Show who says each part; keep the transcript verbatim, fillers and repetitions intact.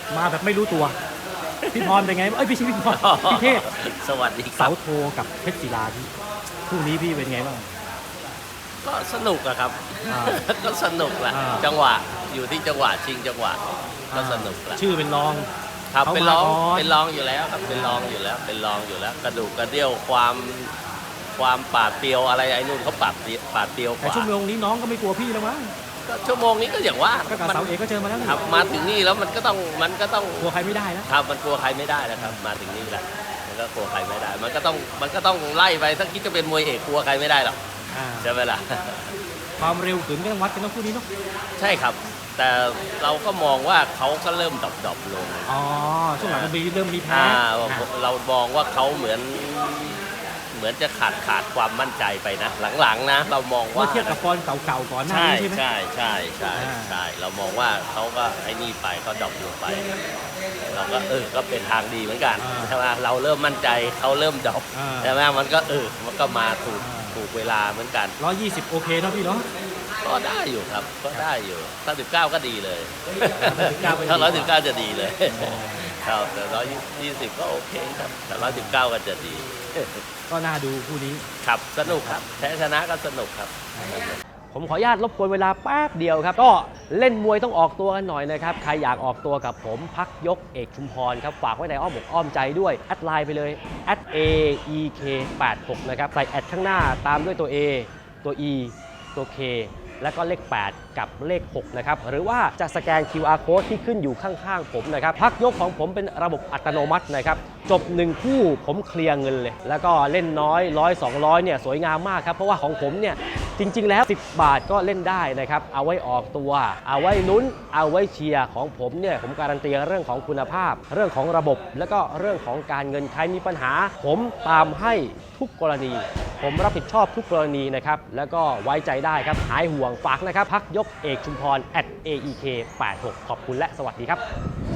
Speaker 1: มาแบบไม่รู้ตัวพี่พรเป็นไงเอ้ยพี่ชิพี่พรพี่เทพ
Speaker 2: สวัสดีครั
Speaker 1: เสา
Speaker 2: บ
Speaker 1: โทกับเพชรศิลาที่คู่นี้พี่เป็นไงบ้าง
Speaker 2: ก็สนุกอะครับ
Speaker 1: อ่า
Speaker 2: ก็สนุกแหละ
Speaker 1: อ่า
Speaker 2: จังหวะอยู่ที่จังหวะชิงจังหวะก็สนุกแหละ
Speaker 1: ชื่อเป็นรอง
Speaker 2: ครับ
Speaker 1: เขา
Speaker 2: เป็นรอง
Speaker 1: มาก่อน
Speaker 2: เป็นรองอยู่แล้วครับเป็นรองอยู่แล้วเป็นรองอยู่แล้ว กระดูกกระเดี่ยวความความปราดเปรียวอะไรไอ้นู่นเขาปราดเปรียวปราดเปรียวก
Speaker 1: แต่
Speaker 2: ว่า
Speaker 1: ชั่วโมงนี้น้องก็ไม่กลัวพี่แล้วมั้ง
Speaker 2: ก็ชั่วโมงนี้ก็อย่างว่า
Speaker 1: ก็กับ
Speaker 2: มัน
Speaker 1: เสาเอกก็เจอมาแล้วนี่
Speaker 2: ครับมาถึงนี่แล้วมันก็ต้องมันก็ต้อง
Speaker 1: กลัวใครไม่ได้แล้ว
Speaker 2: ครับมันกลัวใครไม่ได้แล้วครับมาถึงนี่แล้วมันก็กลัวใครไม่ได้ มันก็ต้องมันก็ต้องไล่ไปถ้าคิดจะเป็นมวยเอกกลัวใครไม่ได้หรอก
Speaker 1: อ่า
Speaker 2: ใช่ไหมล่ะ
Speaker 1: ความเร็วขืนก็ต้องวัดกันต้องคู่นี้เนาะ
Speaker 2: ใช่ครับ แต่เราก็มองว่าเขาก็เริ่มดรอปๆลง
Speaker 1: อ๋อช่วงหลังมันมีเริ่มมีแพ้
Speaker 2: อ่า
Speaker 1: อ่า
Speaker 2: เรามองว่าเขาเหมือนเหมือนจะขาดขาดความมั่นใจไปนะ หลังๆนะ เรามอง
Speaker 1: เมื่
Speaker 2: ว่า
Speaker 1: อเทียบกับฟอนเก่าๆก่อนหน้า
Speaker 2: ใช่
Speaker 1: นี้ใช่ไหม
Speaker 2: ใช่ใช่ใช่
Speaker 1: อ่า
Speaker 2: ใช่เรามองว่าเขาก็ไอ้นี่ไปก็ดรอปลงไป เราก็เออก็เป็นทางดีเหมือนกันใช่ไหมเราเริ่มมั่นใจเขาเริ่มดรอป
Speaker 1: อ่า
Speaker 2: ใช่ไหมมันก็เออมันก็มาถูกถูกเวลาเหมือนกัน
Speaker 1: ร้อยยี่สิบโอเคเนาะพี่เนาะ
Speaker 2: ก็ได้อยู่ครับก็ได้อยู่ถ้าสิบเก้าก็ดีเลย
Speaker 1: ร้อยสิบเก้าก็ดี
Speaker 2: ถ้าร้อยสิบเก้าจะดีเลยครับแต่ร้อยยี่สิบก็โอเคครับแต่ร้อยสิบเก้าก็จะดี
Speaker 1: ก็น่าดูคู่นี้
Speaker 2: ครับสนุกครับแพ้ชนะก็สนุกครับ
Speaker 3: ผมขออนุญาตรบกวนเวลาแป๊บเดียวครับ ก็เล่นมวยต้องออกตัวกันหน่อยนะครับ ใครอยากออกตัวกับผมพักยกเอกชุมพรครับ ฝากไว้ในอ้อมอกอ้อมใจด้วย แอดไลน์ไปเลย แอด เอ อี เค แปดหก นะครับ ใส่แอดข้างหน้าตามด้วยตัว A ตัว E ตัว K แล้วก็เลข แปด กับเลข หก นะครับ หรือว่าจะสแกน คิว อาร์ Code ที่ขึ้นอยู่ข้างๆผมนะครับ พักยกของผมเป็นระบบอัตโนมัตินะครับ จบหนึ่งคู่ผมเคลียร์เงินเลย แล้วก็เล่นน้อยร้อยสองร้อยเนี่ยสวยงามมากครับ เพราะว่าของผมเนี่ยจริงๆแล้วสิบบาทก็เล่นได้นะครับ เอาไว้ออกตัว เอาไว้ลุ้น เอาไว้เชียร์ของผมเนี่ยผมการันตีเรื่องของคุณภาพ เรื่องของระบบ แล้วก็เรื่องของการเงินใครมีปัญหา ผมตามให้ทุกกรณี ผมรับผิดชอบทุกกรณีนะครับ แล้วก็ไว้ใจได้ครับ หายห่วงฝากนะครับ พักยกเอกชุมพร แอท เอ อี เค แปดหก ขอบคุณและสวัสดีครับ